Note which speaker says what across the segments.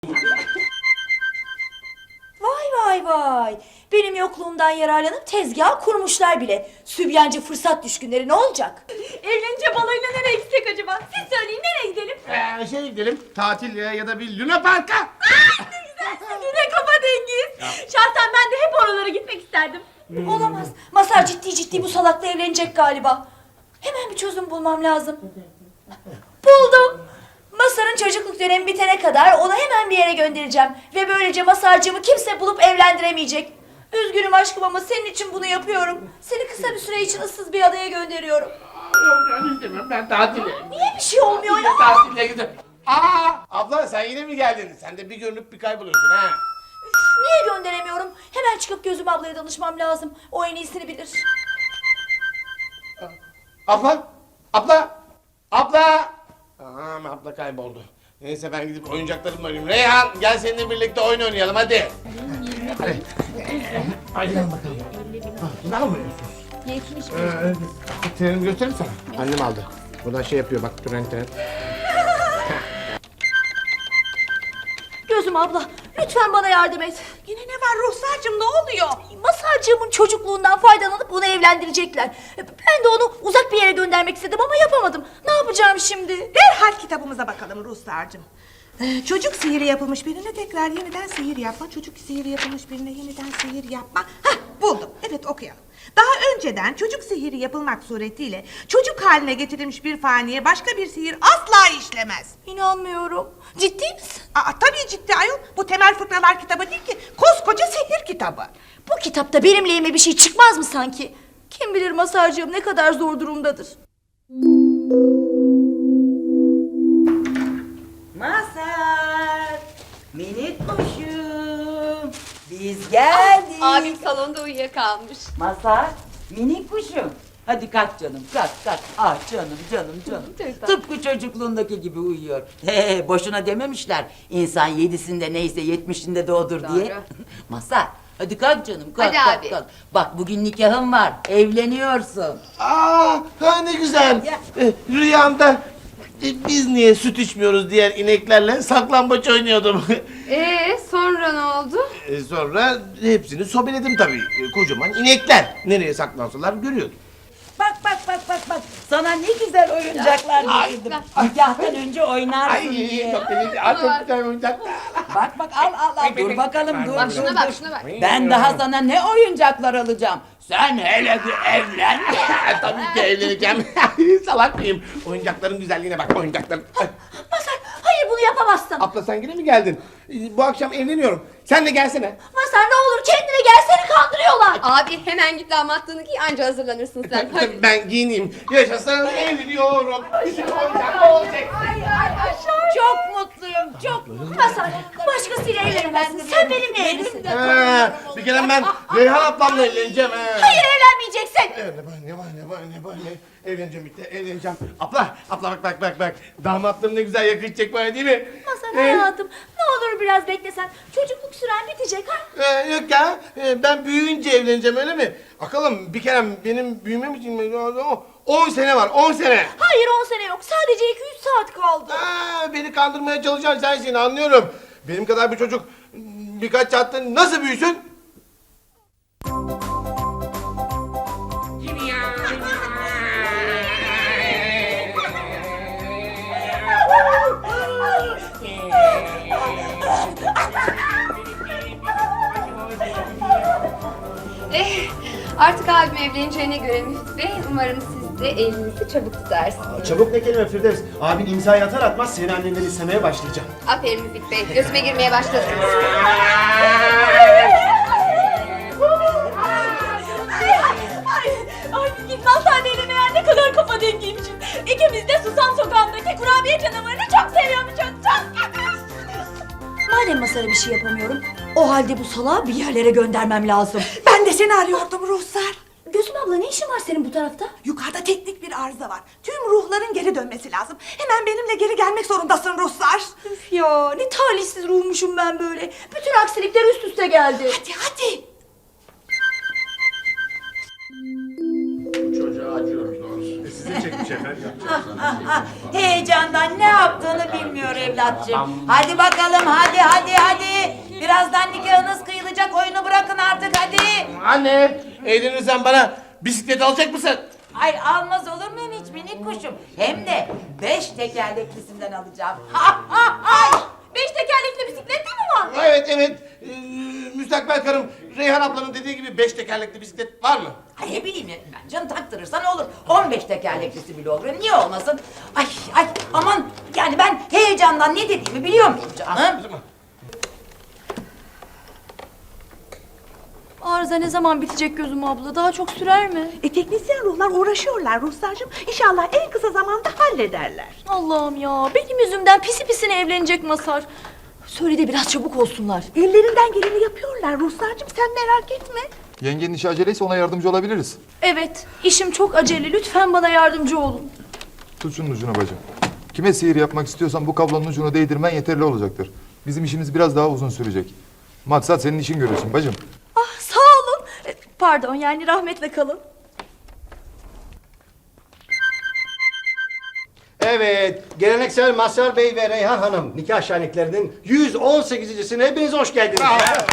Speaker 1: Vay vay. Benim yokluğumdan yararlanıp tezgah kurmuşlar bile. Sübyancı fırsat düşkünleri ne olacak?
Speaker 2: Evlenince balayına nereye gitsek acaba? Siz söyleyin, nereye gidelim?
Speaker 3: Gidelim tatil ya da bir Luna Park'a.
Speaker 2: Ne güzelsin, yine kafa dengiz. Şahsen ben de hep oralara gitmek isterdim.
Speaker 1: Olamaz. Masar ciddi bu salakla evlenecek galiba. Hemen bir çözüm bulmam lazım. Buldum. Masar'ın çocukluk dönemi bitene kadar onu hemen bir yere göndereceğim. Ve böylece Masar'cığımı kimse bulup evlendiremeyecek. Üzgünüm aşkım ama senin için bunu yapıyorum. Seni kısa bir süre için ıssız bir adaya gönderiyorum.
Speaker 3: Ben istemem, ben tatile.
Speaker 1: Niye bir şey olmuyor ya?
Speaker 3: Tatile gidiyorum. Abla sen yine mi geldin? Sen de bir görünüp bir kayboluyorsun ha.
Speaker 1: Niye gönderemiyorum? Hemen çıkıp Gözüm ablaya danışmam lazım. O en iyisini bilir.
Speaker 3: Abla. Abla kayboldu. Neyse ben gidip oyuncaklarımla oynayayım. Reyhan gel seninle birlikte oyun oynayalım hadi. Hadi gel bakalım. Ne yapıyorsun? Trenimi göstereyim sana. Annem aldı. Buradan şey yapıyor bak tren.
Speaker 1: Gözüm abla lütfen bana yardım et.
Speaker 2: Yine ne var Ruhsar'cığım, ne oluyor?
Speaker 1: Masarcığımın çocukluğundan faydalanıp onu evlendirecekler. Ben de onu uzak bir yere göndermek istedim ama yapamadım. Ne yapacağım şimdi?
Speaker 4: Derhal kitabımıza bakalım Ruhsar'cığım. Çocuk sihiri yapılmış birine tekrar yeniden sihir yapma. Çocuk sihiri yapılmış birine yeniden sihir yapma. Hah, buldum. Evet, okuyalım. Daha önceden çocuk sihiri yapılmak suretiyle çocuk haline getirilmiş bir faniye başka bir sihir asla işlemez.
Speaker 1: İnanmıyorum. Ciddi misin?
Speaker 4: Tabii ciddi ayol. Bu temel fıkralar kitabı değil ki. Koskoca sihir kitabı.
Speaker 1: Bu kitapta benim lehime bir şey çıkmaz mı sanki? Kim bilir Masarcığım ne kadar zor durumdadır.
Speaker 5: Mazhar, minik kuşum, biz geldik.
Speaker 2: Abim salonda uyuyakalmış.
Speaker 5: Mazhar, minik kuşum. Hadi kalk canım, kalk. Ah canım.
Speaker 2: Çok tatlı.
Speaker 5: Tıpkı çocukluğundaki gibi uyuyor. Boşuna dememişler. İnsan 7'sinde neyse 70'inde doğdur diye.
Speaker 2: Doğru.
Speaker 5: Mazhar, hadi kalk canım, kalk.
Speaker 2: Hadi abi.
Speaker 5: Kalk. Bak bugün nikahın var, evleniyorsun.
Speaker 3: Ne güzel. Rüyamda biz niye süt içmiyoruz diğer ineklerle saklambaç oynuyordum.
Speaker 2: Sonra ne oldu?
Speaker 3: Sonra hepsini sobeledim tabii. Kocaman inekler. Nereye saklansalar görüyordum.
Speaker 5: Bak. Sana ne güzel oyuncaklar getirdim. Nikahtan önce oynarsın diye.
Speaker 3: Çok güzel oyuncaklar.
Speaker 5: Bak al. Dur bakalım dur.
Speaker 2: Bak şuna bak, şuna bak.
Speaker 5: Ben daha sana ne oyuncaklar alacağım. Sen hele bir evlen.
Speaker 3: Tabii ki evleneceğim. Salak mıyım? Oyuncakların güzelliğine bak oyuncakların.
Speaker 1: Masar hayır bunu yapamazsın.
Speaker 3: Abla sen yine mi geldin? Bu akşam evleniyorum. Sen de gelsene.
Speaker 1: Masar ne olur kendine gel seni kandırıyorlar.
Speaker 2: Abi hemen git damatlığını giy, anca hazırlanırsın sen. Hadi.
Speaker 3: Ben giyineyim. Yaşasın evleniyorum. Bizim oyuncak olacak.
Speaker 5: Çok mutluyum. Çok
Speaker 1: Masar başkasıyla evlenemezsin. Sen benimle evlisin.
Speaker 3: Bir kere ben Reyhan ablamla evleneceğim.
Speaker 1: Hayır evlenmeyeceksin.
Speaker 3: Ne var? Evleneceğim bitti, evleneceğim. Abla bak. Damatlığım ne güzel yakışacak bana değil mi?
Speaker 1: Masar hayatım ne olur biraz beklesen. Çocukluk süren bitecek ha.
Speaker 3: Yok ya, ben büyüyünce evleneceğim öyle mi? Bakalım bir kere benim büyümem için 10 sene var, 10 sene.
Speaker 1: Hayır 10 sene yok sadece 2-3 saat kaldı.
Speaker 3: Beni kandırmaya çalışan sensin anlıyorum. Benim kadar bir çocuk birkaç saatte nasıl büyüsün?
Speaker 2: Artık abim evleneceğine göre Müftü Bey, umarım siz de elinizi çabuk tutarsınız.
Speaker 6: Çabuk ne kelime Firdevs. Abin imzayı atar atmaz seni annenden istemeye başlayacağım.
Speaker 2: Aferin Müftü Bey, gözüme girmeye başladınız.
Speaker 1: Ay git Masar Bey'le meğer ne kadar kafa dengiymişiz. İkimiz de Susam Sokağı'ndaki kurabiye canavarını çok seviyormuşuz. Çok. Madem Masar'a bir şey yapamıyorum, o halde bu salağı bir yerlere göndermem lazım.
Speaker 4: Ben de seni arıyordum Ruhsar.
Speaker 1: Gözüm abla ne işin var senin bu tarafta?
Speaker 4: Yukarıda teknik bir arıza var. Tüm ruhların geri dönmesi lazım. Hemen benimle geri gelmek zorundasın Ruhsar.
Speaker 1: Üf ya ne talihsiz ruhmuşum ben böyle. Bütün aksilikler üst üste geldi.
Speaker 4: Hadi.
Speaker 3: Bu çocuğa acıyoruz doğrusu.
Speaker 6: Size çekmiş efendim.
Speaker 5: Heyecandan ne yaptığını bilmiyor evlatçım. Hadi bakalım, hadi. Birazdan nikahınız kıyılacak, oyunu bırakın artık hadi.
Speaker 3: Anne, eğlenirsen bana bisiklet alacak mısın?
Speaker 5: Ay almaz olur muyum hiç minik kuşum? Hem de 5 tekerleklisinden alacağım. Ay!
Speaker 1: 5 tekerlekli bisiklet de mi var?
Speaker 3: Evet. Müstakbel karım Reyhan ablanın dediği gibi 5 tekerlekli bisiklet var mı?
Speaker 5: Ay ne bileyim ben canım taktırırsan olur. 15 tekerleklisi bile olur. Niye olmasın? Ay aman yani ben heyecandan ne dediğimi biliyor muyum canım?
Speaker 1: Arıza ne zaman bitecek gözüm abla? Daha çok sürer mi?
Speaker 4: Teknisyen ruhlar uğraşıyorlar Ruslarcığım. İnşallah en kısa zamanda hallederler.
Speaker 1: Allah'ım ya, benim yüzümden pisi pisine evlenecek Masar. Söyle de biraz çabuk olsunlar.
Speaker 4: Ellerinden geleni yapıyorlar Ruslarcığım, sen merak etme.
Speaker 7: Yengenin işi aceleyse ona yardımcı olabiliriz.
Speaker 1: Evet, işim çok acele. Lütfen bana yardımcı olun.
Speaker 7: Tut şunun ucuna bacım. Kime sihir yapmak istiyorsan bu kablonun ucunu değdirmen yeterli olacaktır. Bizim işimiz biraz daha uzun sürecek. Maksat senin işin görülsün bacım.
Speaker 1: Ah, sağ olun. Pardon, yani rahmetle kalın.
Speaker 6: Evet, geleneksel Mazhar Bey ve Reyhan Hanım nikah şenliklerinin 118.sine hepiniz hoş geldiniz.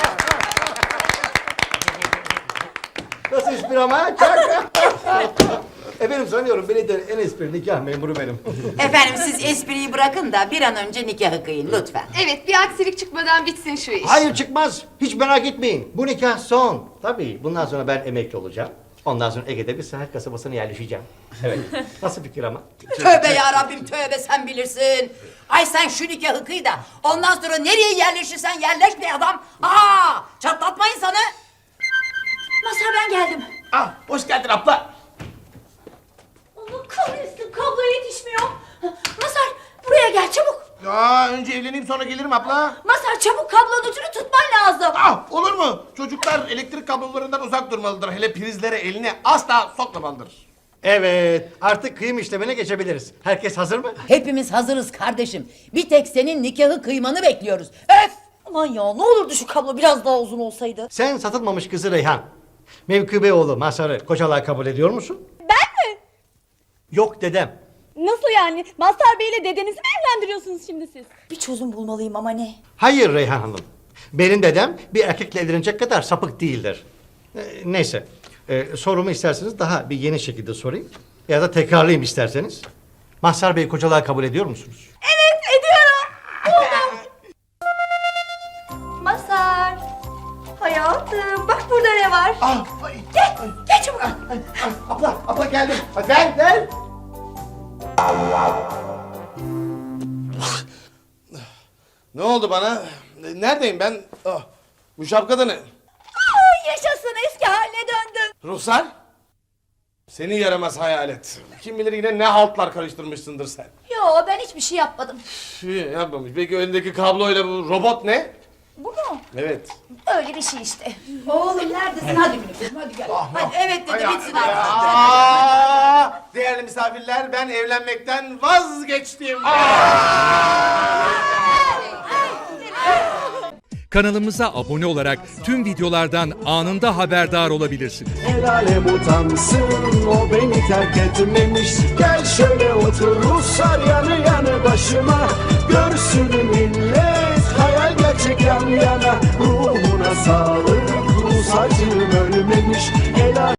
Speaker 6: Nasıl espri ama? Efendim sanıyorum beni de en espri nikah memuru benim.
Speaker 5: Efendim siz espriyi bırakın da bir an önce nikahı kıyın lütfen.
Speaker 2: Evet, bir aksilik çıkmadan bitsin şu iş.
Speaker 6: Hayır çıkmaz, hiç merak etmeyin. Bu nikah son. Tabii bundan sonra ben emekli olacağım. Ondan sonra Ege'de bir sahil kasabasına yerleşeceğim. Evet, nasıl fikir ama?
Speaker 5: Tövbe ya Rabbim tövbe sen bilirsin. Ay sen şu nikahı kıy da ondan sonra nereye yerleşirsen yerleş be adam. Çatlatma insanı.
Speaker 1: Masar, ben geldim.
Speaker 3: Ah, hoş geldin abla.
Speaker 1: Allah kahretsin, kablo yetişmiyor. Masar, buraya gel çabuk.
Speaker 3: Ya önce evleneyim sonra gelirim abla.
Speaker 1: Masar, çabuk kablonun ucunu tutman lazım.
Speaker 3: Ah, olur mu? Çocuklar elektrik kablolarından uzak durmalıdır. Hele prizlere elini asla sokmamalıdır.
Speaker 6: Evet, artık kıyım işlemine geçebiliriz. Herkes hazır mı?
Speaker 5: Hepimiz hazırız kardeşim. Bir tek senin nikahı kıymanı bekliyoruz. Öf!
Speaker 1: Aman ya, ne olurdu şu kablo biraz daha uzun olsaydı.
Speaker 6: Sen satılmamış kızı Reyhan. Mevkübe oğlu Mazhar'ı kocalığa kabul ediyor musun?
Speaker 8: Ben mi?
Speaker 6: Yok dedem.
Speaker 8: Nasıl yani? Mazhar Bey ile dedenizi mi evlendiriyorsunuz şimdi siz?
Speaker 1: Bir çözüm bulmalıyım ama ne?
Speaker 6: Hayır Reyhan Hanım. Benim dedem bir erkekle evlenecek kadar sapık değildir. Neyse. Sorumu isterseniz daha bir yeni şekilde sorayım. Ya da tekrarlayayım isterseniz. Mazhar Bey kocalığa kabul ediyor musunuz?
Speaker 1: Evet, ediyorum. Masar. Hayatım, bak burada ne var?
Speaker 3: Ah, ay,
Speaker 1: Gel çabuk.
Speaker 3: abla geldim. Hadi gel. Ne oldu bana? Neredeyim ben? Ah, bu şapkada ne?
Speaker 1: Yaşasın, eski haline döndüm.
Speaker 3: Ruhsar? Seni yaramaz hayalet. Kim bilir yine ne haltlar karıştırmışsındır sen.
Speaker 1: Yo, ben hiçbir şey yapmadım.
Speaker 3: Yapmamış. Peki önündeki kabloyla bu robot ne?
Speaker 1: Bu mu?
Speaker 3: Evet.
Speaker 1: Öyle bir şey işte.
Speaker 5: Oğlum neredesin? Hadi minik hadi gel. Hadi evet dedi bitsin artık.
Speaker 3: Değerli misafirler, ben evlenmekten vazgeçtim.
Speaker 9: Kanalımıza abone olarak tüm videolardan anında haberdar olabilirsiniz.
Speaker 10: El alem utansın, o beni terk etmemiş. Gel şöyle otur Ruslar yanı yanı başıma. Görsün millet hayal gerçek yan yana. Ruhuna sağlık, Rus acım ölmemiş. El